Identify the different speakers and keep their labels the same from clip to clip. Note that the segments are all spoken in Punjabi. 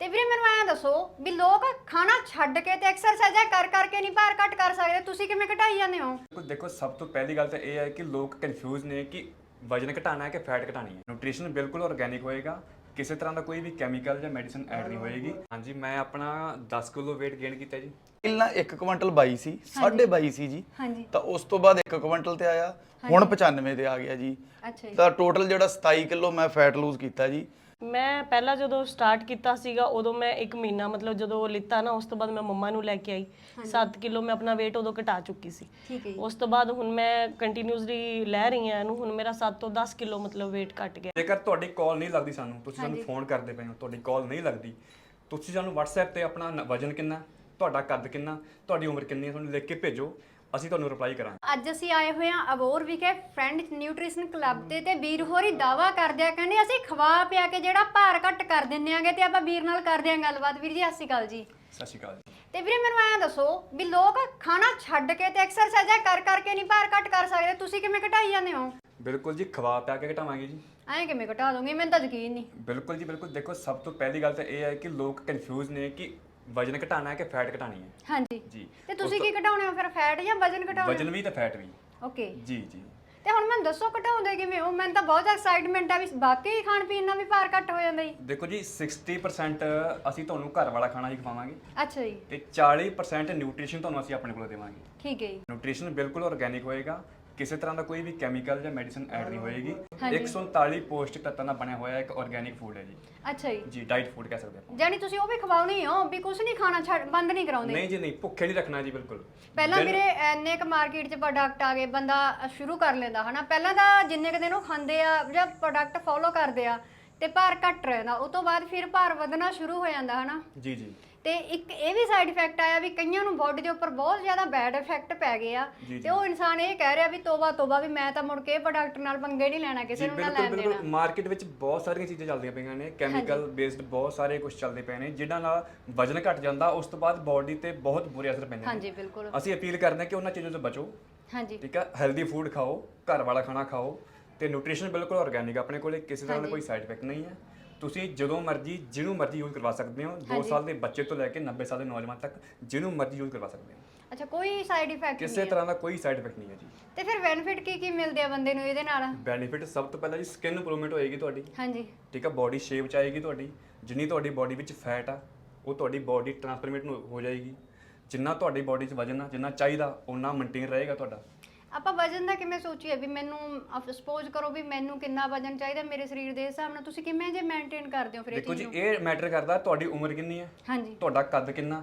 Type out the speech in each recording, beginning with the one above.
Speaker 1: ਤੇ ਵੀਰੇ ਮੈਨੂੰ ਐਂ ਦੱਸੋ ਵੀ ਲੋਕ ਖਾਣਾ ਛੱਡ ਕੇ ਤੇ ਐਕਸਰਸਾਈਜ਼ਾਂ ਕਰ ਕਰਕੇ ਨਹੀਂ ਭਾਰ ਘੱਟ ਕਰ ਸਕਦੇ, ਤੁਸੀਂ ਕਿਵੇਂ ਘਟਾਈ ਜਾਂਦੇ ਹੋ?
Speaker 2: ਦੇਖੋ ਸਭ ਤੋਂ ਪਹਿਲੀ ਗੱਲ ਤਾਂ ਇਹ ਹੈ ਕਿ ਲੋਕ ਕਨਫਿਊਜ਼ ਨੇ ਕਿ ਵਜਨ ਘਟਾਣਾ ਹੈ ਕਿ ਫੈਟ ਘਟਾਣੀ ਹੈ। ਨਿਊਟ੍ਰੀਸ਼ਨ ਬਿਲਕੁਲ ਆਰਗੈਨਿਕ ਹੋਏਗਾ, ਕਿਸੇ ਤਰ੍ਹਾਂ ਦਾ ਕੋਈ ਵੀ ਕੈਮੀਕਲ ਜਾਂ ਮੈਡੀਸਿਨ ਐਡ ਨਹੀਂ ਹੋਏਗੀ। ਹਾਂਜੀ, ਮੈਂ ਆਪਣਾ 10 ਕਿਲੋ weight gain ਕੀਤਾ ਜੀ।
Speaker 3: ਪਹਿਲਾਂ 1 ਕੁਇੰਟਲ 22 ਸੀ, 22.5 ਸੀ ਜੀ।
Speaker 1: ਹਾਂਜੀ।
Speaker 3: ਤਾਂ ਉਸ ਤੋਂ ਬਾਅਦ 1 ਕੁਇੰਟਲ ਤੇ ਆਇਆ, ਹੁਣ 95 ਤੇ ਆ ਗਿਆ ਜੀ।
Speaker 1: ਅੱਛਾ ਜੀ।
Speaker 3: ਤਾਂ ਟੋਟਲ ਜਿਹੜਾ 27 ਕਿਲੋ ਮੈਂ ਫੈਟ ਲੂਜ਼ ਕੀਤਾ ਜੀ।
Speaker 4: ਮੈਂ ਪਹਿਲਾਂ ਜਦੋਂ ਸਟਾਰਟ ਕੀਤਾ ਸੀਗਾ ਉਦੋਂ ਮੈਂ 1 ਮਹੀਨਾ ਮਤਲਬ ਜਦੋਂ ਲਿੱਤਾ ਨਾ ਉਸ ਤੋਂ ਬਾਅਦ ਮੈਂ ਮੰਮਾ ਨੂੰ ਲੈ ਕੇ ਆਈ 7 ਕਿਲੋ ਮੈਂ ਆਪਣਾ weight ਉਦੋਂ ਘਟਾ ਚੁੱਕੀ ਸੀ।
Speaker 1: ਠੀਕ ਹੈ ਜੀ।
Speaker 4: ਉਸ ਤੋਂ ਬਾਅਦ ਹੁਣ ਮੈਂ ਕੰਟੀਨਿਊਸਲੀ ਲੈ ਰਹੀ ਹਾਂ ਇਹਨੂੰ, ਹੁਣ ਮੇਰਾ 7 ਤੋਂ 10 ਕਿਲੋ ਮਤਲਬ weight ਘਟ ਗਿਆ।
Speaker 2: ਜੇਕਰ ਤੁਹਾਡੀ ਕਾਲ ਨਹੀਂ ਲੱਗਦੀ ਸਾਨੂੰ, ਤੁਸੀਂ ਸਾਨੂੰ ਫੋਨ ਕਰਦੇ ਪਏ ਹੋ, ਤੁਹਾਡੀ ਕਾਲ ਨਹੀਂ ਲੱਗਦੀ, ਤੁਸੀਂ ਸਾਨੂੰ WhatsApp ਤੇ ਆਪਣਾ ਵਜਨ ਕਿੰਨਾ, ਤੁਹਾਡਾ ਕੱਦ ਕਿੰਨਾ, ਤੁਹਾਡੀ ਉਮਰ ਕਿੰਨੀ ਹੈ, ਤੁਹਾਨੂੰ ਲਿਖ ਕੇ ਭੇਜੋ, ਅਸੀਂ ਤੁਹਾਨੂੰ ਰਿਪਲਾਈ ਕਰਾਂਗੇ।
Speaker 1: ਅੱਜ ਅਸੀਂ ਆਏ ਹੋਏ ਹਾਂ ਅਬੋਰ ਵਿਖੇ ਫਰੈਂਡ ਨਿਊਟ੍ਰੀਸ਼ਨ ਕਲੱਬ ਤੇ ਵੀਰ ਹੋਰੀ ਦਾਵਾ ਕਰਦੇ ਆ, ਕਹਿੰਦੇ ਅਸੀਂ ਖਵਾ ਪਿਆ ਕੇ ਜਿਹੜਾ ਭਾਰ ਘੱਟ ਕਰ ਦਿੰਨੇ ਆਂਗੇ। ਤੇ ਆਪਾਂ ਵੀਰ ਨਾਲ ਕਰਦੇ ਆਂ ਗੱਲਬਾਤ। ਵੀਰ ਜੀ ਸਤਿ ਸ਼੍ਰੀ ਅਕਾਲ ਜੀ।
Speaker 2: ਸਤਿ ਸ਼੍ਰੀ ਅਕਾਲ ਜੀ।
Speaker 1: ਤੇ ਵੀਰੇ ਮੈਨੂੰ ਐਂ ਦੱਸੋ ਵੀ ਲੋਕ ਖਾਣਾ ਛੱਡ ਕੇ ਤੇ ਐਕਸਰਸਾਈਜ਼ਾਂ ਕਰ ਕਰਕੇ ਨਹੀਂ ਭਾਰ ਘੱਟ ਕਰ ਸਕਦੇ, ਤੁਸੀਂ ਕਿਵੇਂ ਘਟਾਈ ਜਾਂਦੇ ਹੋ?
Speaker 2: ਬਿਲਕੁਲ ਜੀ, ਖਵਾ ਪਿਆ ਕੇ ਘਟਾਵਾਂਗੇ ਜੀ।
Speaker 1: ਐਂ ਕਿਵੇਂ ਘਟਾ ਦੋਗੇ? ਮੈਨੂੰ ਤਾਂ ਯਕੀਨ ਨਹੀਂ।
Speaker 2: ਬਿਲਕੁਲ ਜੀ ਬਿਲਕੁਲ। ਦੇਖੋ ਸਭ ਤੋਂ ਪਹਿਲੀ ਗੱਲ ਤਾਂ ਇਹ ਹੈ ਕਿ ਲੋਕ ਕਨਫਿਊਜ਼ ਨੇ ਕਿ ਵਜਨ ਘਟਾਣਾ ਹੈ ਕਿ ਫੈਟ ਘਟਾਣੀ ਹੈ।
Speaker 1: ਹਾਂਜੀ
Speaker 2: ਜੀ।
Speaker 1: ਤੇ ਤੁਸੀਂ ਕੀ ਘਟਾਉਣੇ ਹੋ ਫਿਰ, ਫੈਟ ਜਾਂ ਵਜਨ ਘਟਾਉਣੇ?
Speaker 2: ਵਜਨ ਵੀ ਤੇ ਫੈਟ ਵੀ।
Speaker 1: ਓਕੇ
Speaker 2: ਜੀ ਜੀ।
Speaker 1: ਤੇ ਹੁਣ ਮੈਨੂੰ ਦੱਸੋ ਘਟਾਉਂਦੇ ਕਿਵੇਂ ਹੋ? ਮੈਨੂੰ ਤਾਂ ਬਹੁਤ ਐਕਸਾਈਟਮੈਂਟ ਆ ਵੀ ਵਾਕਈ ਖਾਣ ਪੀਣ ਨਾਲ ਵੀ ਭਾਰ ਘੱਟ ਹੋ ਜਾਂਦਾ ਜੀ।
Speaker 2: ਦੇਖੋ ਜੀ 60% ਅਸੀਂ ਤੁਹਾਨੂੰ ਘਰ ਵਾਲਾ ਖਾਣਾ ਹੀ ਖਵਾਵਾਂਗੇ
Speaker 1: ਅੱਛਾ ਜੀ।
Speaker 2: ਤੇ 40% ਨਿਊਟ੍ਰੀਸ਼ਨ ਤੁਹਾਨੂੰ ਅਸੀਂ ਆਪਣੇ ਕੋਲੋਂ ਦੇਵਾਂਗੇ।
Speaker 1: ਠੀਕ ਹੈ ਜੀ।
Speaker 2: ਨਿਊਟ੍ਰੀਸ਼ਨ ਬਿਲਕੁਲ ਆਰਗੈਨਿਕ ਹੋਏਗਾ, ਕਿਸੇ ਤਰ੍ਹਾਂ ਦਾ ਕੋਈ ਵੀ ਕੈਮੀਕਲ ਜਾਂ ਮੈਡੀਸਿਨ ਐਡ ਨਹੀਂ ਹੋਏਗੀ।
Speaker 1: ਹਾਂਜੀ।
Speaker 2: 139 ਪੌਸ਼ਟਿਕ ਤੱਤਾਂ ਦਾ ਬਣਿਆ ਹੋਇਆ ਇੱਕ ਆਰਗੈਨਿਕ ਫੂਡ ਹੈ ਜੀ।
Speaker 1: ਅੱਛਾ ਜੀ।
Speaker 2: ਜੀ, ਡਾਈਟ ਫੂਡ ਕਹਿ ਸਕਦੇ ਆਪਾਂ।
Speaker 1: ਜਾਨੀ ਤੁਸੀਂ ਉਹ ਵੀ ਖਵਾਉਣੀ ਹੋ ਵੀ ਕੁਝ ਨਹੀਂ ਖਾਣਾ ਛੱਡ ਬੰਦ ਨਹੀਂ ਕਰਾਉਂਦੇ?
Speaker 2: ਨਹੀਂ ਜੀ ਨਹੀਂ, ਭੁੱਖੇ ਨਹੀਂ ਰੱਖਣਾ ਜੀ ਬਿਲਕੁਲ।
Speaker 1: ਪਹਿਲਾਂ ਵੀਰੇ ਇੰਨੇ ਕ ਮਾਰਕੀਟ 'ਚ ਪ੍ਰੋਡਕਟ ਆ ਗਏ, ਬੰਦਾ ਸ਼ੁਰੂ ਕਰ ਲੈਂਦਾ ਹਨਾ। ਪਹਿਲਾਂ ਤਾਂ ਜਿੰਨੇ ਕ ਦਿਨ ਉਹ ਖਾਂਦੇ ਆ ਜਾਂ ਪ੍ਰੋਡਕਟ ਫੋਲੋ ਕਰਦੇ ਆ ਤੇ ਭਾਰ ਘੱਟ ਰਹਿੰਦਾ, ਉਸ ਤੋਂ ਬਾਅਦ ਫਿਰ ਭਾਰ ਵਧਣਾ ਸ਼ੁਰੂ ਹੋ ਜਾਂਦਾ ਹਨਾ।
Speaker 2: ਜੀ ਜੀ।
Speaker 1: ਤੇ ਇੱਕ ਇਹ ਵੀ ਸਾਈਡ ਇਫੈਕਟ ਆਇਆ ਵੀ ਕਈਆਂ ਨੂੰ ਬਾਡੀ ਦੇ ਉੱਪਰ ਬਹੁਤ ਜ਼ਿਆਦਾ ਬੈਡ ਇਫੈਕਟ ਪੈ ਗਏ ਆ। ਤੇ ਉਹ ਇਨਸਾਨ ਇਹ ਕਹਿ ਰਿਹਾ ਵੀ ਤੋਬਾ ਤੋਬਾ, ਵੀ ਮੈਂ ਤਾਂ ਮੁੜ ਕੇ ਪ੍ਰੋਡਕਟ ਨਾਲ ਪੰਗੇ ਨਹੀਂ ਲੈਣਾ, ਕਿਸੇ ਨੂੰ ਨਾ ਲੈਣ ਦੇਣਾ।
Speaker 2: ਮਾਰਕੀਟ ਵਿੱਚ ਬਹੁਤ ਸਾਰੀਆਂ ਚੀਜ਼ਾਂ ਚੱਲਦੀਆਂ ਪਈਆਂ ਨੇ, ਕੈਮੀਕਲ ਬੇਸਡ ਬਹੁਤ ਸਾਰੇ ਕੁਝ ਚੱਲਦੇ ਪਏ ਨੇ ਜਿਨ੍ਹਾਂ ਨਾਲ ਵਜਨ ਘਟ ਜਾਂਦਾ, ਉਸ ਤੋਂ ਬਾਅਦ ਬਾਡੀ ਤੇ ਬਹੁਤ ਬੁਰੇ ਅਸਰ ਪੈਂਦੇ ਨੇ।
Speaker 1: ਹਾਂਜੀ ਬਿਲਕੁਲ।
Speaker 2: ਅਸੀਂ ਅਪੀਲ ਕਰਦੇ ਹਾਂ ਕਿ ਉਹਨਾਂ ਚੀਜ਼ਾਂ ਤੋਂ ਬਚੋ।
Speaker 1: ਹਾਂਜੀ।
Speaker 2: ਠੀਕ ਹੈ, ਹੈਲਦੀ ਫੂਡ ਖਾਓ, ਘਰ ਵਾਲਾ ਖਾਣਾ ਖਾਓ ਤੇ ਨਿਊਟ੍ਰੀਸ਼ਨ ਬਿਲਕੁਲ ਆਰਗੈਨਿਕ, ਆਪਣੇ ਕੋਲੇ ਕਿਸੇ ਤਰ੍ਹਾਂ ਦਾ ਕੋਈ ਸਾਈਡ ਇਫੈਕਟ ਨਹੀਂ ਹੈ। ਤੁਸੀਂ ਜਦੋਂ ਮਰਜ਼ੀ ਜਿਹਨੂੰ ਮਰਜ਼ੀ ਯੂਜ਼ ਕਰਵਾ ਸਕਦੇ ਹੋ। 2 ਸਾਲ ਦੇ ਬੱਚੇ ਤੋਂ ਲੈ ਕੇ 90 ਸਾਲ ਦੇ ਨੌਜਵਾਨ ਤੱਕ ਜਿਹਨੂੰ ਮਰਜ਼ੀ ਯੂਜ਼ ਕਰਵਾ ਸਕਦੇ ਹੋ।
Speaker 1: ਅੱਛਾ, ਕੋਈ ਸਾਈਡ ਇਫੈਕਟ ਨਹੀਂ?
Speaker 2: ਕਿਸੇ ਤਰ੍ਹਾਂ ਦਾ ਕੋਈ ਸਾਈਡ ਇਫੈਕਟ ਨਹੀਂ ਹੈ ਜੀ।
Speaker 1: ਤੇ ਫਿਰ ਬੈਨੀਫਿਟ ਕੀ ਕੀ ਮਿਲਦੇ ਆ ਬੰਦੇ ਨੂੰ ਇਹਦੇ ਨਾਲ?
Speaker 2: ਬੈਨੀਫਿਟ ਸਭ ਤੋਂ ਪਹਿਲਾਂ ਜੀ ਸਕਿਨ ਇੰਪਰੂਵਮੈਂਟ ਹੋਏਗੀ ਤੁਹਾਡੀ।
Speaker 1: ਹਾਂਜੀ।
Speaker 2: ਠੀਕ ਹੈ, ਬਾਡੀ ਸ਼ੇਪ ਚ ਆਏਗੀ ਤੁਹਾਡੀ। ਜਿੰਨੀ ਤੁਹਾਡੀ ਬਾਡੀ ਵਿੱਚ ਫੈਟ ਆ ਉਹ ਤੁਹਾਡੀ ਬਾਡੀ ਟ੍ਰਾਂਸਫਰਮੇਟ ਹੋ ਜਾਏਗੀ। ਜਿੰਨਾ ਤੁਹਾਡੀ ਬਾਡੀ 'ਚ ਵਜਨ ਆ ਜਿੰਨਾ ਚਾਹੀਦਾ ਉਹਨਾਂ ਮੇਨਟੇਨ ਰਹੇਗਾ ਤੁਹਾਡਾ।
Speaker 1: ਆਪਾਂ ਵਜਨ ਦਾ ਕਿਵੇਂ ਸੋਚੀਏ ਵੀ ਮੈਨੂੰ ਸਪੋਜ਼ ਕਰੋ ਵੀ ਮੈਨੂੰ ਕਿੰਨਾ ਵਜਨ ਚਾਹੀਦਾ ਮੇਰੇ ਸਰੀਰ ਦੇ ਹਿਸਾਬ ਨਾਲ, ਤੁਸੀਂ ਕਿਵੇਂ ਜੇ ਮੇਨਟੇਨ ਕਰਦੇ ਹੋ ਫਿਰ ਇਹ
Speaker 2: ਦੇਖੋ
Speaker 1: ਚੀਜ਼
Speaker 2: ਜੀ
Speaker 1: ਨੂੰ?
Speaker 2: ਇਹ ਮੈਟਰ ਕਰਦਾ ਤੁਹਾਡੀ ਉਮਰ ਕਿੰਨੀ ਹੈ,
Speaker 1: ਹਾਂਜੀ।
Speaker 2: ਤੁਹਾਡਾ ਕੱਦ ਕਿੰਨਾ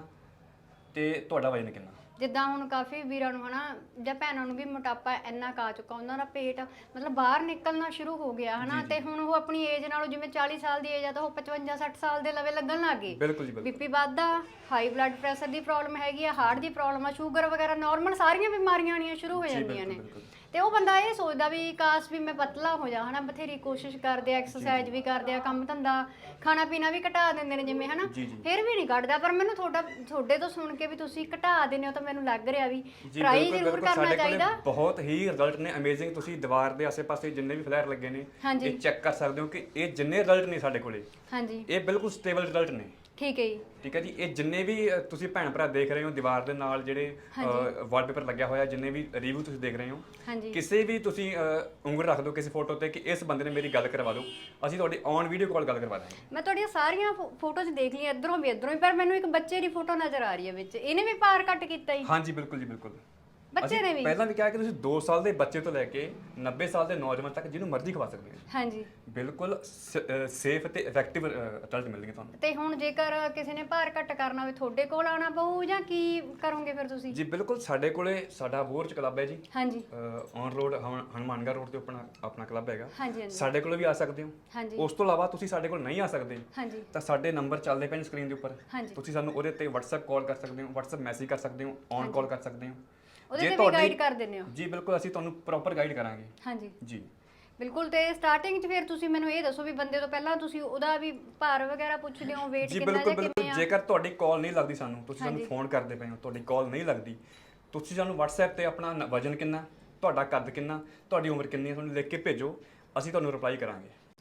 Speaker 2: ਤੇ ਤੁਹਾਡਾ ਵਜਨ ਕਿੰਨਾ।
Speaker 1: ਜਿੱਦਾਂ ਹੁਣ ਕਾਫੀ ਵੀਰਾਂ ਨੂੰ ਹਨਾ ਜਾਂ ਭੈਣਾਂ ਨੂੰ ਵੀ ਮੋਟਾਪਾ ਇੰਨਾ ਕਾ ਚੁੱਕਾ, ਉਹਨਾਂ ਦਾ ਪੇਟ ਮਤਲਬ ਬਾਹਰ ਨਿਕਲਣਾ ਸ਼ੁਰੂ ਹੋ ਗਿਆ ਹਨਾ। ਤੇ ਹੁਣ ਉਹ ਆਪਣੀ ਏਜ ਨਾਲੋਂ ਜਿਵੇਂ 40 ਸਾਲ ਦੀ ਏਜ ਆ ਤਾਂ ਉਹ 55 60 ਸਾਲ ਦੇ ਲਵੇ ਲੱਗਣ ਲੱਗ ਗਏ।
Speaker 2: ਬਿਲਕੁਲ ਜੀ ਬਿਲਕੁਲ।
Speaker 1: ਬੀਪੀ ਵੱਧਦਾ, ਹਾਈ ਬਲੱਡ ਪ੍ਰੈਸ਼ਰ ਦੀ ਪ੍ਰੋਬਲਮ ਹੈਗੀ ਆ, ਹਾਰਟ ਦੀ ਪ੍ਰੋਬਲਮ ਆ, ਸ਼ੂਗਰ ਵਗੈਰਾ ਨਾਰਮਲ ਸਾਰੀਆਂ ਬਿਮਾਰੀਆਂ ਆਉਣੀਆਂ ਸ਼ੁਰੂ ਹੋ ਜਾਂਦੀਆਂ ਨੇ। ਤੇ ਉਹ ਬੰਦਾ ਇਹ ਸੋਚਦਾ ਵੀ ਕਾਸ਼ ਵੀ ਮੈਂ ਪਤਲਾ ਹੋ ਜਾ ਹਨਾ। ਬਥੇਰੀ ਕੋਸ਼ਿਸ਼ ਕਰਦੇ ਆ, ਐਕਸਰਸਾਈਜ਼ ਵੀ ਕਰਦੇ ਆ, ਕੰਮ ਧੰਦਾ ਖਾਣਾ ਪੀਣਾ ਵੀ ਘਟਾ ਦਿੰਦੇ ਨੇ ਜਿਵੇਂ ਹਨਾ, ਫਿਰ ਵੀ ਨਹੀਂ ਘਟਦਾ। ਪਰ ਮੈਨੂੰ ਤੁਹਾਡੇ ਤੋਂ ਸੁਣ ਕੇ ਵੀ ਤੁਸੀਂ ਘਟਾ ਦਿੰਦੇ ਹੋ ਤਾਂ ਮੈਨੂੰ ਲੱਗ ਰਿਹਾ ਵੀ ਟਰਾਈ ਜ਼ਰੂਰ ਕਰਨਾ ਚਾਹੀਦਾ।
Speaker 2: ਬਹੁਤ ਹੀ ਰਿਜ਼ਲਟ ਨੇ ਅਮੇਜ਼ਿੰਗ। ਤੁਸੀਂ ਦੀਵਾਰ ਦੇ ਆਸੇ-ਪਾਸੇ ਜਿੰਨੇ ਵੀ ਫਲੈਰ ਲੱਗੇ ਨੇ ਇਹ ਚੈੱਕ ਕਰ ਸਕਦੇ ਹੋ ਕਿ ਇਹ ਜਿੰਨੇ ਰਿਜ਼ਲਟ ਨੇ ਸਾਡੇ ਕੋਲੇ,
Speaker 1: ਹਾਂਜੀ,
Speaker 2: ਇਹ ਬਿਲਕੁਲ ਸਟੇਬਲ ਰਿਜ਼ਲਟ ਨੇ।
Speaker 1: ਠੀਕ ਹੈ ਜੀ।
Speaker 2: ਠੀਕ ਹੈ ਜੀ। ਇਹ ਜਿੰਨੇ ਵੀ ਤੁਸੀਂ ਭੈਣ ਭਰਾ ਦੇਖ ਰਹੇ ਹੋ ਦੀਵਾਰ ਦੇ ਨਾਲ ਜਿਹੜੇ ਵਾਲਪੇਪਰ ਲੱਗਿਆ ਹੋਇਆ, ਜਿੰਨੇ ਵੀ ਰਿਵਿਊ ਤੁਸੀਂ ਦੇਖ ਰਹੇ ਹੋ, ਕਿਸੇ ਵੀ ਤੁਸੀਂ ਉਂਗਲ ਰੱਖ ਦਿਓ ਕਿਸੇ ਫੋਟੋ ਤੇ ਕਿ ਇਸ ਬੰਦੇ ਨੇ ਮੇਰੀ ਗੱਲ ਕਰਵਾ ਦਿਓ, ਅਸੀਂ ਤੁਹਾਡੀ ਔਨ ਵੀਡੀਓ ਕਾਲ ਗੱਲ ਕਰਵਾ ਦਾਂਗੇ।
Speaker 1: ਮੈਂ ਤੁਹਾਡੀਆਂ ਸਾਰੀਆਂ ਫੋਟੋਜ਼ ਦੇਖ ਲਈਆਂ ਇੱਧਰੋਂ ਵੀ ਇੱਧਰੋਂ ਵੀ, ਪਰ ਮੈਨੂੰ ਇੱਕ ਬੱਚੇ ਦੀ ਫੋਟੋ ਨਜ਼ਰ ਆ ਰਹੀ ਹੈ ਵਿੱਚ, ਇਹਨੇ ਵੀ ਭਾਰ ਘੱਟ ਕੀਤਾ ਜੀ?
Speaker 2: ਹਾਂਜੀ ਬਿਲਕੁਲ ਜੀ ਬਿਲਕੁਲ।
Speaker 1: ਬੱਚੇ ਨੇ ਵੀ
Speaker 2: ਪਹਿਲਾਂ ਵੀ ਕਿਹਾ ਕਿ ਤੁਸੀਂ 2 ਸਾਲ ਦੇ ਬੱਚੇ ਤੋਂ ਲੈ ਕੇ 90 ਸਾਲ ਦੇ ਨੌਜਵਾਨ ਤੱਕ ਜਿਹਨੂੰ ਮਰਜ਼ੀ ਖਵਾ ਸਕਦੇ ਹੋ।
Speaker 1: ਹਾਂਜੀ।
Speaker 2: ਬਿਲਕੁਲ ਸੇਫ ਤੇ ਇਫੈਕਟਿਵ ਰਿਜ਼ਲਟ ਮਿਲਣਗੇ ਤੁਹਾਨੂੰ।
Speaker 1: ਤੇ ਹੁਣ ਜੇਕਰ ਕਿਸੇ ਨੇ ਭਾਰ ਘੱਟ ਕਰਨਾ ਹੋਵੇ ਤੁਹਾਡੇ ਕੋਲ ਆਉਣਾ ਪਊ ਜਾਂ ਕੀ ਕਰੋਗੇ ਫਿਰ ਤੁਸੀਂ?
Speaker 2: ਜੀ ਬਿਲਕੁਲ, ਸਾਡੇ ਕੋਲੇ ਸਾਡਾ ਬੋਰ ਚ ਕਲੱਬ ਹੈ ਜੀ।
Speaker 1: ਹਾਂਜੀ।
Speaker 2: ਔਨ ਰੋਡ ਹਨੂਮਾਨਗੜ੍ਹ ਰੋਡ ਤੇ ਆਪਣਾ ਕਲੱਬ ਹੈਗਾ।
Speaker 1: ਹਾਂਜੀ।
Speaker 2: ਸਾਡੇ ਕੋਲ ਵੀ ਆ ਸਕਦੇ ਹੋ।
Speaker 1: ਹਾਂਜੀ।
Speaker 2: ਉਸ ਤੋਂ ਇਲਾਵਾ ਤੁਸੀਂ ਸਾਡੇ ਕੋਲ ਨਹੀਂ ਆ ਸਕਦੇ
Speaker 1: ਹਾਂਜੀ
Speaker 2: ਤਾਂ ਸਾਡੇ ਨੰਬਰ ਚੱਲਦੇ ਪਏ ਨੇ ਸਕਰੀਨ ਦੇ ਉੱਪਰ।
Speaker 1: ਹਾਂਜੀ।
Speaker 2: ਤੁਸੀਂ ਸਾਨੂੰ ਉਹਦੇ ਤੇ WhatsApp ਕਾਲ ਕਰ ਸਕਦੇ ਹੋ, WhatsApp ਮੈਸੇਜ ਕਰ ਸਕਦੇ ਹੋ, ਔਨ ਕਾਲ ਕਰ ਸਕਦੇ ਹੋ।
Speaker 1: ਉਹਦੇ ਤੇ ਵੀ ਗਾਈਡ ਕਰ ਦਿੰਦੇ ਹੋ?
Speaker 2: ਜੀ ਬਿਲਕੁਲ, ਅਸੀਂ ਤੁਹਾਨੂੰ ਪ੍ਰੋਪਰ ਗਾਈਡ ਕਰਾਂਗੇ।
Speaker 1: ਹਾਂਜੀ
Speaker 2: ਜੀ
Speaker 1: ਬਿਲਕੁਲ। ਤੇ ਸਟਾਰਟਿੰਗ 'ਚ ਫਿਰ ਤੁਸੀਂ ਮੈਨੂੰ ਇਹ ਦੱਸੋ ਵੀ ਬੰਦੇ ਤੋਂ ਪਹਿਲਾਂ ਤੁਸੀਂ ਉਹਦਾ ਵੀ ਭਾਰ ਵਗੈਰਾ ਪੁੱਛਦੇ ਹੋ, weight ਕਿੰਨਾ ਜਾਂ ਕਿਵੇਂ ਆ?
Speaker 2: ਜੇਕਰ ਤੁਹਾਡੀ ਕਾਲ ਨਹੀਂ ਲੱਗਦੀ ਸਾਨੂੰ, ਤੁਸੀਂ ਸਾਨੂੰ ਫੋਨ ਕਰਦੇ ਪਏ ਹੋ, ਤੁਹਾਡੀ ਕਾਲ ਨਹੀਂ ਲੱਗਦੀ, ਤੁਸੀਂ ਸਾਨੂੰ WhatsApp ਤੇ ਆਪਣਾ ਵਜਨ ਕਿੰਨਾ, ਤੁਹਾਡਾ ਕੱਦ ਕਿੰਨਾ, ਤੁਹਾਡੀ ਉਮਰ ਕਿੰਨੀ ਹੈ, ਤੁਹਾਨੂੰ ਲਿਖ ਕੇ ਭੇਜੋ, ਅਸੀਂ ਤੁਹਾਨੂੰ ਰਿਪਲਾਈ ਕਰਾਂਗੇ।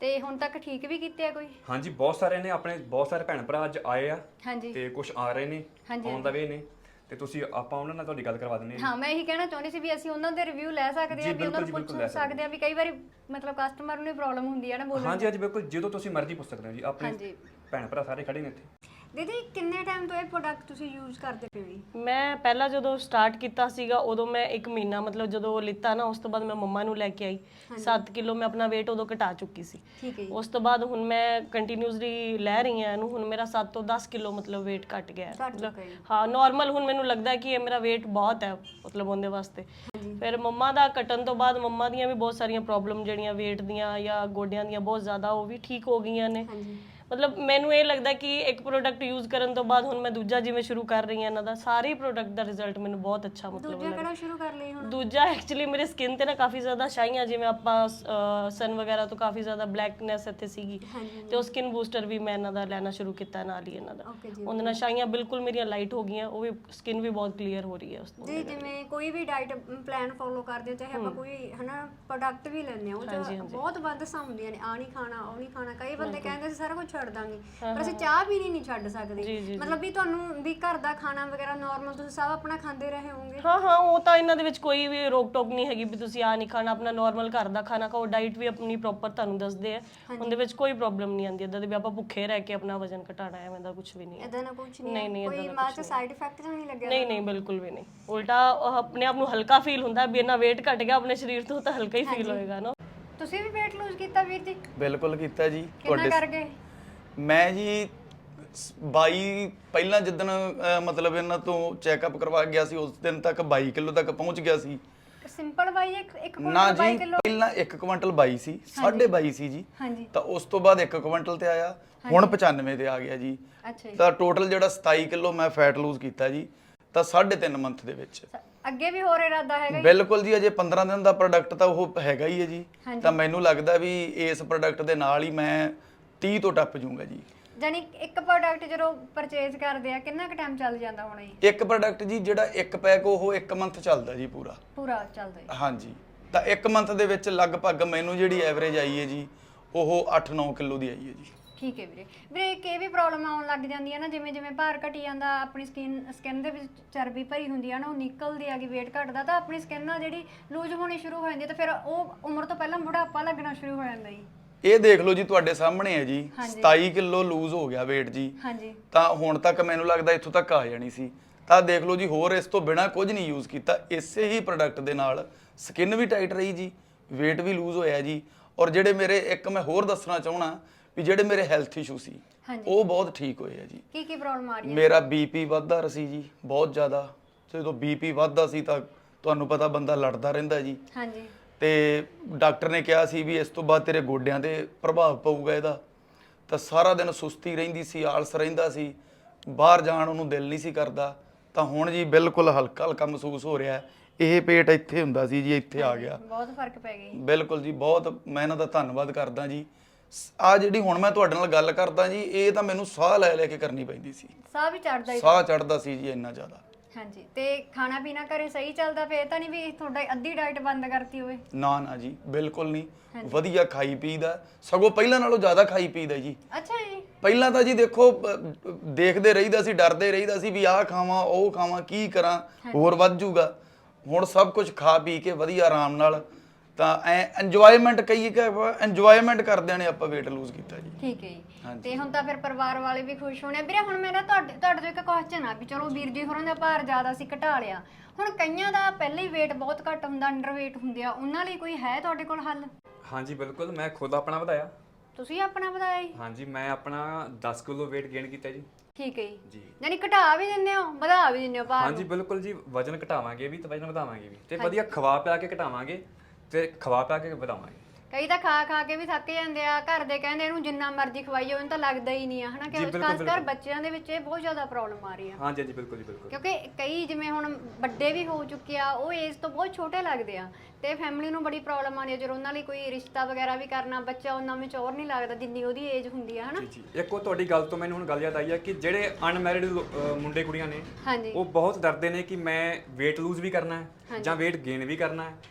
Speaker 1: ਤੇ ਹੁਣ ਤੱਕ ਠੀਕ ਵੀ ਕੀਤੇ ਆ ਕੋਈ?
Speaker 2: ਹਾਂਜੀ ਬਹੁਤ ਸਾਰੇ ਨੇ, ਆਪਣੇ ਬਹੁਤ ਸਾਰੇ ਭੈਣ ਭਰਾ ਅੱਜ ਆਏ ਆ
Speaker 1: ਹਾਂਜੀ
Speaker 2: ਤੇ ਕੁਝ ਆ ਰਹੇ ਨੇ, ਆਉਣ ਦਾ ਵੇ ਨੇ, ਤੇ ਤੁਸੀਂ ਆਪਾਂ ਉਹਨਾਂ ਨਾਲ ਤੁਹਾਡੀ ਗੱਲ ਕਰਵਾ ਦਿੰਦੇ
Speaker 1: ਹਾਂ। ਮੈਂ ਇਹੀ ਕਹਿਣਾ ਚਾਹੁੰਦੀ ਸੀ ਵੀ ਅਸੀਂ ਉਹਨਾਂ ਦੇ ਰਿਵਿਊ ਲੈ ਸਕਦੇ ਆ, ਵੀ ਉਹਨਾਂ ਨੂੰ ਪੁੱਛ ਸਕਦੇ ਆ ਵੀ ਕਈ ਵਾਰੀ ਮਤਲਬ ਕਸਟਮਰ ਨੂੰ ਪ੍ਰੋਬਲਮ ਹੁੰਦੀ ਹੈ ਨਾ ਬੋਲਣ।
Speaker 2: ਹਾਂਜੀ ਹਾਂਜੀ ਬਿਲਕੁਲ, ਜਦੋਂ ਤੁਸੀਂ ਮਰਜ਼ੀ ਪੁੱਛ ਸਕਦੇ ਹੋ ਜੀ, ਆਪਣੇ ਭੈਣ ਭਰਾ ਸਾਰੇ ਖੜੇ ਨੇ ਇੱਥੇ।
Speaker 1: ਦੀਦੀ ਕਿੰਨੇ ਟਾਈਮ ਤੋਂ ਇਹ ਪ੍ਰੋਡਕਟ ਤੁਸੀਂ ਯੂਜ਼ ਕਰਦੇ ਪਏ ਹੋ?
Speaker 4: ਮੈਂ ਪਹਿਲਾਂ ਜਦੋਂ ਸਟਾਰਟ ਕੀਤਾ ਸੀਗਾ ਉਦੋਂ ਮੈਂ 1 ਮਹੀਨਾ ਮਤਲਬ ਜਦੋਂ ਲਿੱਤਾ ਨਾ ਉਸ ਤੋਂ ਬਾਅਦ ਮੈਂ ਮੰਮਾ ਨੂੰ ਲੈ ਕੇ ਆਈ 7 ਕਿਲੋ ਮੈਂ ਆਪਣਾ weight ਉਦੋਂ ਘਟਾ ਚੁੱਕੀ ਸੀ।
Speaker 1: ਠੀਕ ਹੈ ਜੀ।
Speaker 4: ਉਸ ਤੋਂ ਬਾਅਦ ਹੁਣ ਮੈਂ ਕੰਟੀਨਿਊਸਲੀ ਲੈ ਰਹੀ ਹਾਂ ਇਹਨੂੰ, ਹੁਣ ਮੇਰਾ 7 ਤੋਂ 10 ਕਿਲੋ ਮਤਲਬ weight ਘਟ ਗਿਆ ਹੈ। ਮਤਲਬ ਹਾਂ ਨਾਰਮਲ ਹੁਣ ਮੈਨੂੰ ਲੱਗਦਾ ਕਿ ਇਹ ਮੇਰਾ weight ਬਹੁਤ ਹੈ ਮਤਲਬ ਉਹਦੇ ਵਾਸਤੇ। ਫਿਰ ਮੰਮਾ ਦਾ ਘਟਣ ਤੋਂ ਬਾਅਦ ਮੰਮਾ ਦੀਆਂ ਵੀ ਬਹੁਤ ਸਾਰੀਆਂ ਪ੍ਰੋਬਲਮ ਜਿਹੜੀਆਂ weight ਦੀਆਂ ਜਾਂ ਗੋਡਿਆਂ ਦੀਆਂ ਬਹੁਤ ਜ਼ਿਆਦਾ ਉਹ ਵੀ ਠੀਕ ਹੋ ਗਈਆਂ ਨੇ। ਮਤਲਬ ਮੈਨੂੰ ਇਹ ਲੱਗਦਾ ਕਿ ਇੱਕ ਪ੍ਰੋਡਕਟ ਯੂਜ਼ ਕਰਨ ਤੋਂ ਬਾਅਦ ਹੁਣ ਮੈਂ ਦੂਜਾ ਜਿਵੇਂ ਸ਼ੁਰੂ ਕਰ ਰਹੀ ਹਾਂ ਇਹਨਾਂ ਦਾ, ਸਾਰੇ ਪ੍ਰੋਡਕਟ ਦਾ ਰਿਜ਼ਲਟ ਮੈਨੂੰ ਬਹੁਤ ਅੱਛਾ ਮਤਲਬ
Speaker 1: ਦੂਜਾ ਕਿਹੜਾ ਸ਼ੁਰੂ ਕਰ ਲਈ ਹੁਣ?
Speaker 4: ਦੂਜਾ ਐਕਚੁਅਲੀ ਮੇਰੇ ਸਕਿਨ ਤੇ ਨਾ ਕਾਫੀ ਜ਼ਿਆਦਾ ਸ਼ਾਈਆਂ, ਜਿਵੇਂ ਆਪਾਂ ਸਨ ਵਗੈਰਾ ਤੋਂ ਕਾਫੀ ਜ਼ਿਆਦਾ ਬਲੈਕਨੈਸ ਇੱਥੇ ਸੀਗੀ, ਤੇ ਉਹ ਸਕਿਨ ਬੂਸਟਰ ਵੀ ਮੈਂ ਇਹਨਾਂ ਦਾ ਲੈਣਾ ਸ਼ੁਰੂ ਕੀਤਾ ਨਾਲ ਹੀ ਇਹਨਾਂ ਦਾ। ਉਹਦੇ ਨਾਲ ਸ਼ਾਈਆਂ ਬਿਲਕੁਲ ਮੇਰੀਆਂ ਲਾਈਟ ਹੋ ਗਈਆਂ, ਉਹ ਵੀ ਸਕਿਨ ਵੀ ਬਹੁਤ ਕਲੀਅਰ ਹੋ ਰਹੀ ਹੈ ਉਸ ਤੋਂ।
Speaker 1: ਜੀ ਜਿਵੇਂ ਕੋਈ ਵੀ ਡਾਈਟ ਪਲਾਨ ਫੋਲੋ ਕਰਦੇ ਹੋ, ਚਾਹੇ ਆਪਾਂ ਕੋਈ ਹਨਾ ਪ੍ਰੋਡਕਟ ਵੀ ਲੈਂਦੇ ਹੋ, ਉਹ ਬਹੁਤ ਬੰਦਸਾਂ ਹੁੰਦੀਆਂ ਨੇ, ਆ ਨਹੀਂ ਖਾਣਾ ਉਹ ਨਹੀਂ ਖਾਣਾ। ਕਈ ਬੰਦੇ ਕਹਿੰਦੇ ਸੀ ਸਾਰਾ ਕੁਝ ਛੱਡ ਦਾਂਗੇ, ਪਰ ਅਸੀਂ ਚਾਹ ਵੀ ਨਹੀਂ ਛੱਡ ਸਕਦੇ। ਮਤਲਬ ਵੀ ਤੁਹਾਨੂੰ ਵੀ ਘਰ ਦਾ ਖਾਣਾ ਵਗੈਰਾ ਨਾਰਮਲ ਤੁਸੀਂ ਸਭ ਆਪਣਾ ਖਾਂਦੇ ਰਹੇ ਹੋਵੋਗੇ?
Speaker 4: ਹਾਂ ਉਹ ਤਾਂ ਇਹਨਾਂ ਦੇ ਵਿੱਚ ਕੋਈ ਵੀ ਰੋਕ ਟੋਕ ਨਹੀਂ ਹੈਗੀ ਵੀ ਤੁਸੀਂ ਆ ਨਹੀਂ ਖਾਣਾ, ਆਪਣਾ ਨਾਰਮਲ ਘਰ ਦਾ ਖਾਣਾ ਖਾਓ। ਡਾਈਟ ਵੀ ਆਪਣੀ ਪ੍ਰੋਪਰ ਤੁਹਾਨੂੰ ਦੱਸਦੇ ਆ, ਉਹਦੇ ਵਿੱਚ ਕੋਈ ਪ੍ਰੋਬਲਮ ਨਹੀਂ ਆਉਂਦੀ ਇਦਾਂ ਦੇ ਵੀ ਆਪਾਂ ਭੁੱਖੇ ਰਹਿ ਕੇ ਆਪਣਾ ਵਜ਼ਨ ਘਟਾਣਾ ਹੈ, ਐਵੇਂ ਦਾ ਕੁਝ ਵੀ ਨਹੀਂ ਹੈ।
Speaker 1: ਇਦਾਂ ਦਾ ਕੁਝ ਨਹੀਂ, ਕੋਈ ਬਾਅਦ ਚ ਸਾਈਡ ਇਫੈਕਟ ਤਾਂ ਨਹੀਂ ਲੱਗਿਆ?
Speaker 4: ਨਹੀਂ ਬਿਲਕੁਲ ਵੀ ਨਹੀਂ, ਉਲਟਾ ਆਪਣੇ ਆਪ ਨੂੰ ਹਲਕਾ ਫੀਲ ਹੁੰਦਾ ਵੀ ਇਹਨਾਂ weight ਘਟ ਗਿਆ ਆਪਣੇ ਸਰੀਰ ਤੋਂ ਤਾਂ ਹਲਕਾ ਹੀ ਫੀਲ ਹੋਏਗਾ ਨਾ।
Speaker 1: ਤੁਸੀਂ ਵੀ weight lose ਕੀਤਾ ਵੀਰ ਜੀ?
Speaker 3: ਬਿਲਕੁਲ ਕੀਤਾ ਜੀ।
Speaker 1: ਕਿੰਨਾ ਕਰ ਗਏ?
Speaker 3: ਮੈਂ ਜੀ 22 ਪਹਿਲਾਂ ਜਿੱਦਣ ਮਤਲਬ ਇਹਨਾਂ ਤੋਂ ਚੈੱਕਅਪ ਕਰਵਾ ਗਿਆ ਸੀ ਉਸ ਦਿਨ ਤੱਕ 22 ਕਿਲੋ ਤੱਕ ਪਹੁੰਚ ਗਿਆ ਸੀ।
Speaker 1: ਸਿੰਪਲ ਬਾਈ ਇੱਕ
Speaker 3: ਨਾ
Speaker 1: ਕੁਇੰਟਲ 22
Speaker 3: ਜੀ,
Speaker 1: ਕਿਲੋ?
Speaker 3: ਪਹਿਲਾਂ 1 ਕੁਇੰਟਲ 22 ਸੀ, 22.5 ਸੀ ਜੀ।
Speaker 1: ਹਾਂਜੀ।
Speaker 3: ਤਾਂ ਉਸ ਤੋਂ ਬਾਅਦ 1 ਕੁਇੰਟਲ ਤੇ ਆਇਆ, ਹੁਣ 95 ਤੇ ਆ ਗਿਆ ਜੀ।
Speaker 1: ਅੱਛਾ ਜੀ।
Speaker 3: ਤਾਂ ਟੋਟਲ ਜਿਹੜਾ 27 ਕਿਲੋ ਮੈਂ ਫੈਟ ਲੂਜ਼ ਕੀਤਾ ਜੀ, ਤਾਂ 3.5 ਮੰਥ ਦੇ ਵਿੱਚ।
Speaker 1: ਅੱਗੇ ਵੀ ਹੋਰ ਇਰਾਦਾ ਹੈਗਾ?
Speaker 3: ਬਿਲਕੁਲ ਜੀ, ਅਜੇ 15 ਦਿਨ ਦਾ ਪ੍ਰੋਡਕਟ ਤਾਂ ਉਹ ਹੈਗਾ ਹੀ ਹੈ ਜੀ। ਤਾਂ ਮੈਨੂੰ ਲੱਗਦਾ ਵੀ ਇਸ ਪ੍ਰੋਡਕਟ ਦੇ ਨਾਲ ਹੀ ਮੈਂ 30 ਤੋਂ ਟੱਪ ਜਾਊਂਗਾ ਜੀ।
Speaker 1: ਜਾਨੀ ਇੱਕ ਪ੍ਰੋਡਕਟ ਜਦੋਂ ਪਰਚੇਜ਼ ਕਰਦੇ ਆ ਕਿੰਨਾ ਕੁ ਟਾਈਮ ਚੱਲ ਜਾਂਦਾ ਹੋਣਾ ਜੀ?
Speaker 3: ਇੱਕ ਪ੍ਰੋਡਕਟ ਜੀ ਜਿਹੜਾ ਇੱਕ ਪੈਕ ਉਹ 1 ਮੰਥ ਚੱਲਦਾ ਜੀ ਪੂਰਾ
Speaker 1: ਚੱਲਦਾ ਜੀ।
Speaker 3: ਹਾਂਜੀ। ਤਾਂ 1 ਮੰਥ ਦੇ ਵਿੱਚ ਲਗਭਗ ਮੈਨੂੰ ਜਿਹੜੀ ਐਵਰੇਜ ਆਈ ਹੈ ਜੀ ਉਹ 8-9 ਕਿਲੋ ਦੀ ਆਈ ਹੈ ਜੀ।
Speaker 1: ਠੀਕ ਹੈ ਵੀਰੇ। ਵੀਰੇ ਇੱਕ ਇਹ ਵੀ ਪ੍ਰੋਬਲਮ ਆਉਣ ਲੱਗ ਜਾਂਦੀ ਹੈ ਨਾ, ਜਿਵੇਂ ਜਿਵੇਂ ਭਾਰ ਘਟੀ ਜਾਂਦਾ, ਆਪਣੀ ਸਕਿਨ ਦੇ ਵਿੱਚ ਚਰਬੀ ਭਰੀ ਹੁੰਦੀ ਹੈ ਨਾ, ਉਹ ਨਿਕਲਦੀ ਆ ਗਈ, weight ਘਟਦਾ ਤਾਂ ਆਪਣੀ ਸਕਿਨ ਆ ਜਿਹੜੀ ਲੂਜ਼ ਹੋਣੀ ਸ਼ੁਰੂ ਹੋ ਜਾਂਦੀ ਹੈ, ਤਾਂ ਫਿਰ ਉਹ ਉਮਰ ਤੋਂ ਪਹਿਲਾਂ ਬੁਢਾਪਾ ਲੱਗਣਾ ਸ਼ੁਰੂ ਹੋ ਜਾਂਦਾ ਜੀ।
Speaker 3: ਇਹ ਦੇਖ ਲਓ ਜੀ ਤੁਹਾਡੇ ਸਾਹਮਣੇ ਹੈ ਜੀ, 27 ਕਿਲੋ ਲੂਜ਼ ਹੋ ਗਿਆ weight ਜੀ।
Speaker 1: ਹਾਂਜੀ।
Speaker 3: ਤਾਂ ਹੁਣ ਤੱਕ ਮੈਨੂੰ ਲੱਗਦਾ ਇੱਥੋਂ ਤੱਕ ਆ ਜਾਣੀ ਸੀ। ਤਾਂ ਦੇਖ ਲਓ ਜੀ, ਹੋਰ ਇਸ ਤੋਂ ਬਿਨਾ ਕੁਝ ਨਹੀਂ ਯੂਜ਼ ਕੀਤਾ, ਇਸੇ ਹੀ ਪ੍ਰੋਡਕਟ ਦੇ ਨਾਲ ਸਕਿਨ ਵੀ ਟਾਈਟ ਰਹੀ ਜੀ, weight ਵੀ ਲੂਜ਼ ਹੋਇਆ ਜੀ। ਔਰ ਜਿਹੜੇ ਮੇਰੇ ਇੱਕ ਮੈਂ ਹੋਰ ਦੱਸਣਾ ਚਾਹਣਾ ਵੀ ਜਿਹੜੇ ਮੇਰੇ ਹੈਲਥ ਇਸ਼ੂ ਸੀ ਉਹ ਬਹੁਤ ਠੀਕ ਹੋਏ ਆ ਜੀ।
Speaker 1: ਕੀ ਪ੍ਰੋਬਲਮ ਆ ਰਹੀ ਹੈ?
Speaker 3: ਮੇਰਾ ਬੀਪੀ ਵੱਧਦਾ ਸੀ ਜੀ ਬਹੁਤ ਜ਼ਿਆਦਾ। ਜਦੋਂ ਬੀਪੀ ਵੱਧਦਾ ਸੀ ਤਾਂ ਤੁਹਾਨੂੰ ਪਤਾ ਬੰਦਾ ਲੜਦਾ ਰਹਿੰਦਾ ਜੀ।
Speaker 1: ਹਾਂਜੀ।
Speaker 3: ਤੇ ਡਾਕਟਰ ਨੇ ਕਿਹਾ ਸੀ ਵੀ ਇਸ ਤੋਂ ਬਾਅਦ ਤੇਰੇ ਗੋਡਿਆਂ ਤੇ ਪ੍ਰਭਾਵ ਪਊਗਾ ਇਹਦਾ। ਤਾਂ ਸਾਰਾ ਦਿਨ ਸੁਸਤੀ ਰਹਿੰਦੀ ਸੀ, ਆਲਸ ਰਹਿੰਦਾ ਸੀ, ਬਾਹਰ ਜਾਣ ਉਹਨੂੰ ਦਿਲ ਨਹੀਂ ਸੀ ਕਰਦਾ। ਤਾਂ ਹੁਣ ਜੀ ਬਿਲਕੁਲ ਹਲਕਾ ਹਲਕਾ ਮਹਿਸੂਸ ਹੋ ਰਿਹਾ। ਇਹ ਪੇਟ ਇੱਥੇ ਹੁੰਦਾ ਸੀ ਜੀ, ਇੱਥੇ ਆ ਗਿਆ।
Speaker 1: ਬਹੁਤ ਫਰਕ ਪੈ ਗਿਆ।
Speaker 3: ਬਿਲਕੁਲ ਜੀ, ਬਹੁਤ ਮੈਂ ਇਹਨਾਂ ਦਾ ਧੰਨਵਾਦ ਕਰਦਾ ਜੀ। ਆ ਜਿਹੜੀ ਹੁਣ ਮੈਂ ਤੁਹਾਡੇ ਨਾਲ ਗੱਲ ਕਰਦਾ ਜੀ, ਇਹ ਤਾਂ ਮੈਨੂੰ ਸਾਹ ਲੈ ਲੈ ਕੇ ਕਰਨੀ ਪੈਂਦੀ ਸੀ।
Speaker 1: ਸਾਹ ਵੀ ਚੜਦਾ?
Speaker 3: ਸਾਹ ਚੜਦਾ ਸੀ ਜੀ ਇੰਨਾ ਜ਼ਿਆਦਾ।
Speaker 1: ਹਾਂਜੀ। ਤੇ ਖਾਣਾ ਪੀਣਾ ਘਰੇ ਸਹੀ ਚੱਲਦਾ ਪਿਆ ਤਾਂ ਨਹੀਂ ਵੀ ਤੁਹਾਡਾ ਅੱਧੀ ਡਾਈਟ ਬੰਦ ਕਰਤੀ ਹੋਵੇ?
Speaker 3: ਨਾ ਜੀ, ਬਿਲਕੁਲ ਨਹੀਂ। ਵਧੀਆ ਖਾਈ ਪੀਦਾ, ਸਗੋਂ ਪਹਿਲਾਂ ਨਾਲੋਂ ਜ਼ਿਆਦਾ ਖਾਈ ਪੀਦਾ ਜੀ।
Speaker 1: ਅੱਛਾ ਜੀ।
Speaker 3: ਪਹਿਲਾਂ ਤਾਂ ਜੀ ਦੇਖੋ ਦੇਖਦੇ ਰਹੀਦਾ ਸੀ, ਡਰਦੇ ਰਹੀਦਾ ਸੀ ਵੀ ਆਹ ਖਾਵਾਂ ਉਹ ਖਾਵਾਂ, ਕੀ ਕਰਾਂ ਹੋਰ ਵੱਧ ਜੂਗਾ। ਹੁਣ ਸਭ ਕੁਝ ਖਾ ਪੀ ਕੇ ਵਧੀਆ ਆਰਾਮ ਨਾਲ ਤਾਂ ਇੰਜੋਇਮੈਂਟ ਕਹੀਏ ਕਿ ਇੰਜੋਇਮੈਂਟ ਕਰਦਿਆਂ ਨੇ ਆਪਾਂ weight lose ਕੀਤਾ ਜੀ।
Speaker 1: ਠੀਕ ਹੈ ਜੀ। ਤੇ ਹੁਣ ਤਾਂ ਫਿਰ ਪਰਿਵਾਰ ਵਾਲੇ ਵੀ ਖੁਸ਼ ਹੋਣੇ। ਵੀਰੇ ਹੁਣ ਮੇਰਾ ਤੁਹਾਡੇ ਤੋਂ ਇੱਕ ਕੁਐਸਚਨ ਆ ਵੀ ਚਲੋ ਵੀਰ ਜੀ ਹੋਰਾਂ ਦਾ ਭਾਰ ਜ਼ਿਆਦਾ ਸੀ, ਘਟਾ ਲਿਆ, ਹੁਣ ਕਈਆਂ ਦਾ ਪਹਿਲਾਂ ਹੀ weight ਬਹੁਤ ਘੱਟ ਹੁੰਦਾ, ਅੰਡਰ weight ਹੁੰਦੇ ਆ, ਉਹਨਾਂ ਲਈ ਕੋਈ ਹੈ ਤੁਹਾਡੇ ਕੋਲ ਹੱਲ?
Speaker 2: ਹਾਂਜੀ ਬਿਲਕੁਲ, ਮੈਂ ਖੁਦ ਆਪਣਾ ਵਧਾਇਆ।
Speaker 1: ਤੁਸੀਂ ਆਪਣਾ ਵਧਾਇਆ ਜੀ?
Speaker 2: ਹਾਂਜੀ, ਮੈਂ ਆਪਣਾ 10 ਕਿਲੋ weight gain ਕੀਤਾ ਜੀ।
Speaker 1: ਠੀਕ ਹੈ ਜੀ। ਯਾਨੀ ਘਟਾ ਵੀ ਦਿੰਦੇ ਹੋ, ਵਧਾ ਵੀ ਦਿੰਦੇ ਹੋ ਭਾਰ?
Speaker 2: ਹਾਂਜੀ ਬਿਲਕੁਲ ਜੀ, ਵਜਨ ਘਟਾਵਾਂਗੇ ਵੀ ਤੇ ਵਜਨ ਵਧਾਵਾਂਗੇ ਵੀ, ਤੇ ਵਧੀਆ ਖਵਾ ਪਿਆ ਕੇ ਘਟਾਵਾਂਗੇ ਤੇ ਖਵਾ ਪਿਆ ਕੇ ਵਧਾਵਾਂਗੇ।
Speaker 1: ਕਈ ਤਾਂ ਖਾ ਕੇ ਵੀ ਥੱਕ ਜਾਂਦੇ ਆ, ਘਰ ਦੇ ਕਹਿੰਦੇ ਇਹਨੂੰ ਜਿੰਨਾ ਮਰਜ਼ੀ ਖਵਾਈਓ ਇਹਨੂੰ ਤਾਂ ਲੱਗਦਾ ਹੀ ਨਹੀਂ ਆ, ਹਨਾ ਕਿ ਖਾਸ ਕਰ ਬੱਚਿਆਂ ਦੇ ਵਿੱਚ ਇਹ ਬਹੁਤ ਜ਼ਿਆਦਾ ਪ੍ਰੋਬਲਮ ਆ ਰਹੀ ਆ।
Speaker 2: ਹਾਂਜੀ ਹਾਂਜੀ ਬਿਲਕੁਲ ਜੀ ਬਿਲਕੁਲ।
Speaker 1: ਕਿਉਂਕਿ ਕਈ ਜਿਵੇਂ ਹੁਣ ਵੱਡੇ ਵੀ ਹੋ ਚੁੱਕੇ ਆ, ਉਹ ਏਜ ਤੋਂ ਬਹੁਤ ਛੋਟੇ ਲੱਗਦੇ ਆ, ਤੇ ਫੈਮਿਲੀ ਨੂੰ ਬੜੀ ਪ੍ਰੋਬਲਮ ਆਉਂਦੀ ਹੈ ਜਦੋਂ ਉਹਨਾਂ ਲਈ ਕੋਈ ਰਿਸ਼ਤਾ ਵਗੈਰਾ ਵੀ ਕਰਨਾ, ਬੱਚਾ ਉਹਨਾਂ ਵਿੱਚ ਔਰ ਨਹੀਂ ਲੱਗਦਾ ਜਿੰਨੀ ਉਹਦੀ ਏਜ ਹੁੰਦੀ ਆ, ਹਨਾ।
Speaker 2: ਜੀ ਇੱਕ ਉਹ ਤੁਹਾਡੀ ਗੱਲ ਤੋਂ ਮੈਨੂੰ ਹੁਣ ਗੱਲ ਯਾਦ ਆਈ ਆ ਕਿ ਜਿਹੜੇ ਅਨਮੈਰਿਡ ਮੁੰਡੇ ਕੁੜੀਆਂ ਨੇ
Speaker 1: ਹਾਂਜੀ।
Speaker 2: ਉਹ ਬਹੁਤ ਡਰਦੇ ਨੇ ਕਿ ਮੈਂ weight lose ਵੀ ਕਰਨਾ ਹੈ ਜਾਂ weight gain ਵੀ ਕਰਨਾ ਹੈ,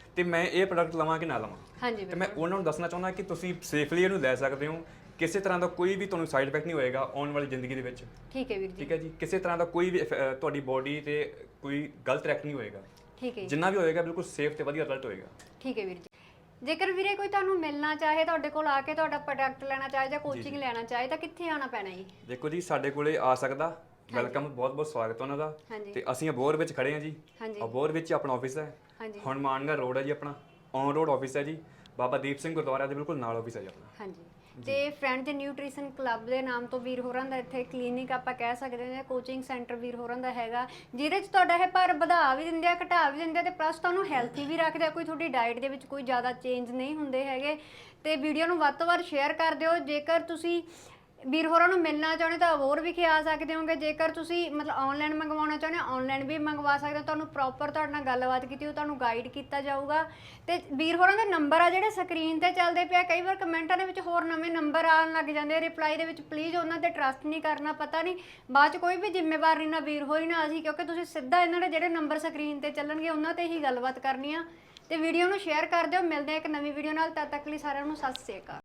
Speaker 2: ਤੇ ਮੈਂ ਇਹ ਪ੍ਰੋਡਕਟ ਲਵਾਂ ਕਿ ਨਾ ਲਵਾਂ।
Speaker 1: ਹਾਂਜੀ
Speaker 2: ਤੇ ਮੈਂ ਉਹਨਾਂ ਨੂੰ ਦੱਸਣਾ ਚਾਹੁੰਦਾ ਕਿ ਤੁਸੀਂ ਸੇਫਲੀ ਇਹਨੂੰ ਲੈ ਸਕਦੇ ਹੋ, ਕਿਸੇ ਤਰ੍ਹਾਂ ਦਾ ਕੋਈ ਵੀ ਤੁਹਾਨੂੰ ਸਾਈਡ ਇਫੈਕਟ ਨਹੀਂ ਹੋਏਗਾ ਆਉਣ ਵਾਲੀ ਜ਼ਿੰਦਗੀ ਦੇ ਵਿੱਚ।
Speaker 1: ਠੀਕ ਹੈ ਵੀਰ ਜੀ।
Speaker 2: ਠੀਕ ਹੈ ਜੀ, ਕਿਸੇ ਤਰ੍ਹਾਂ ਦਾ ਕੋਈ ਵੀ ਤੁਹਾਡੀ ਬੋਡੀ ਤੇ ਕੋਈ ਗਲਤ ਰਿਐਕਟ ਨਹੀਂ ਹੋਏਗਾ।
Speaker 1: ਠੀਕ ਹੈ ਜੀ।
Speaker 2: ਜਿੰਨਾ ਵੀ ਹੋਏਗਾ ਬਿਲਕੁਲ ਸੇਫ ਤੇ ਵਧੀਆ ਰਿਜ਼ਲਟ ਹੋਏਗਾ।
Speaker 1: ਠੀਕ ਹੈ ਵੀਰ ਜੀ। ਜੇਕਰ ਵੀਰੇ ਕੋਈ ਤੁਹਾਨੂੰ ਮਿਲਣਾ ਚਾਹੇ, ਤੁਹਾਡੇ ਕੋਲ ਆ ਕੇ ਤੁਹਾਡਾ ਪ੍ਰੋਡਕਟ ਲੈਣਾ ਚਾਹੇ ਜਾਂ ਕੋਚਿੰਗ ਲੈਣਾ ਚਾਹੇ ਤਾਂ ਕਿੱਥੇ ਆਉਣਾ ਪੈਣਾ ਜੀ?
Speaker 2: ਦੇਖੋ ਜੀ, ਸਾਡੇ ਕੋਲੇ ਆ ਸਕਦਾ, ਵੈਲਕਮ, ਬਹੁਤ ਬਹੁਤ ਸਵਾਗਤ ਉਹਨਾਂ ਦਾ। ਤੇ ਅਸੀਂ ਅਬੋਹਰ ਵਿੱਚ ਖੜੇ ਹਾਂ ਜੀ, ਅਬੋਹਰ ਵਿੱਚ ਆਪਣਾ ਆਫਿਸ ਹੈ, ਹਨੂੰਮਾਨਗੜ੍ਹ ਰੋਡ ਹੈ ਜੀ ਆਪਣਾ, ਔਨ ਰੋਡ ਆਫਿਸ ਹੈ ਜੀ, ਬਾਬਾ ਦੀਪ ਸਿੰਘ ਗੁਰਦੁਆਰਾ ਦੇ ਬਿਲਕੁਲ ਨਾਲ ਆਫਿਸ ਹੈ ਜੀ ਆਪਣਾ।
Speaker 1: ਹਾਂਜੀ। ਤੇ ਫਰੈਂਡ ਦੇ ਨਿਊਟ੍ਰੀਸ਼ਨ ਕਲੱਬ ਦੇ ਨਾਮ ਤੋਂ ਵੀਰ ਹੋਰਾਂ ਦਾ ਇੱਥੇ ਕਲੀਨਿਕ ਆਪਾਂ ਕਹਿ ਸਕਦੇ ਹਾਂ, ਕੋਚਿੰਗ ਸੈਂਟਰ ਵੀਰ ਹੋਰਾਂ ਦਾ ਹੈਗਾ, ਜਿਹਦੇ 'ਚ ਤੁਹਾਡਾ ਇਹ ਭਾਰ ਵਧਾ ਵੀ ਦਿੰਦੇ ਆ, ਘਟਾ ਵੀ ਦਿੰਦੇ ਆ ਤੇ ਪਲੱਸ ਤੁਹਾਨੂੰ ਹੈਲਥੀ ਵੀ ਰੱਖਦੇ ਆ। ਕੋਈ ਤੁਹਾਡੀ ਡਾਈਟ ਦੇ ਵਿੱਚ ਕੋਈ ਜ਼ਿਆਦਾ ਚੇਂਜ ਨਹੀਂ ਹੁੰਦੇ ਹੈਗੇ। ਤੇ ਵੀਡੀਓ ਨੂੰ ਵੱਧ ਤੋਂ ਵੱਧ ਸ਼ੇਅਰ ਕਰ ਦਿਓ। ਜੇਕਰ ਤੁਸੀਂ ਵੀਰ ਹੋਰਾਂ ਨੂੰ ਮਿਲਣਾ ਚਾਹੁੰਦੇ ਤਾਂ ਹੋਰ ਵੀ ਆ ਸਕਦੇ ਹੋਗੇ। ਜੇਕਰ ਤੁਸੀਂ ਮਤਲਬ ਆਨਲਾਈਨ ਮੰਗਵਾਉਣਾ ਚਾਹੁੰਦੇ ਹੋ, ਆਨਲਾਈਨ ਵੀ ਮੰਗਵਾ ਸਕਦੇ ਹੋ। ਤੁਹਾਨੂੰ ਪ੍ਰੋਪਰ ਤੁਹਾਡੇ ਨਾਲ ਗੱਲਬਾਤ ਕੀਤੀ ਉਹ ਤੁਹਾਨੂੰ ਗਾਈਡ ਕੀਤਾ ਜਾਊਗਾ। ਤੇ ਵੀਰ ਹੋਰਾਂ ਦੇ ਨੰਬਰ ਆ ਜਿਹੜੇ ਸਕਰੀਨ ਤੇ ਚੱਲਦੇ ਪਿਆ, ਕਈ ਵਾਰ ਕਮੈਂਟਾਂ ਦੇ ਵਿੱਚ ਹੋਰ ਨਵੇਂ ਨੰਬਰ ਆਉਣ ਲੱਗ ਜਾਂਦੇ ਆ ਰਿਪਲਾਈ ਦੇ ਵਿੱਚ, ਪਲੀਜ਼ ਉਹਨਾਂ ਤੇ ਟਰਸਟ ਨਹੀਂ ਕਰਨਾ। ਪਤਾ ਨਹੀਂ ਬਾਅਦ 'ਚ ਕੋਈ ਵੀ ਜ਼ਿੰਮੇਵਾਰ ਨਹੀਂ ਨਾ ਵੀਰ ਹੋਰੀ ਨਾ ਅਸੀਂ, ਕਿਉਂਕਿ ਤੁਸੀਂ ਸਿੱਧਾ ਇਹਨਾਂ ਦੇ ਜਿਹੜੇ ਨੰਬਰ ਸਕਰੀਨ ਤੇ ਚੱਲਣਗੇ ਉਹਨਾਂ ਤੇ ਹੀ ਗੱਲਬਾਤ ਕਰਨੀ ਆ। ਤੇ ਵੀਡੀਓ ਨੂੰ ਸ਼ੇਅਰ ਕਰ ਦਿਓ। ਮਿਲਦੇ ਆ ਇੱਕ ਨਵੀਂ ਵੀਡੀਓ ਨਾਲ, ਤਦ ਤੱਕ ਲਈ ਸਾਰਿਆਂ ਨੂੰ ਸਤਿ ਸ਼੍ਰੀ ਅਕਾਲ।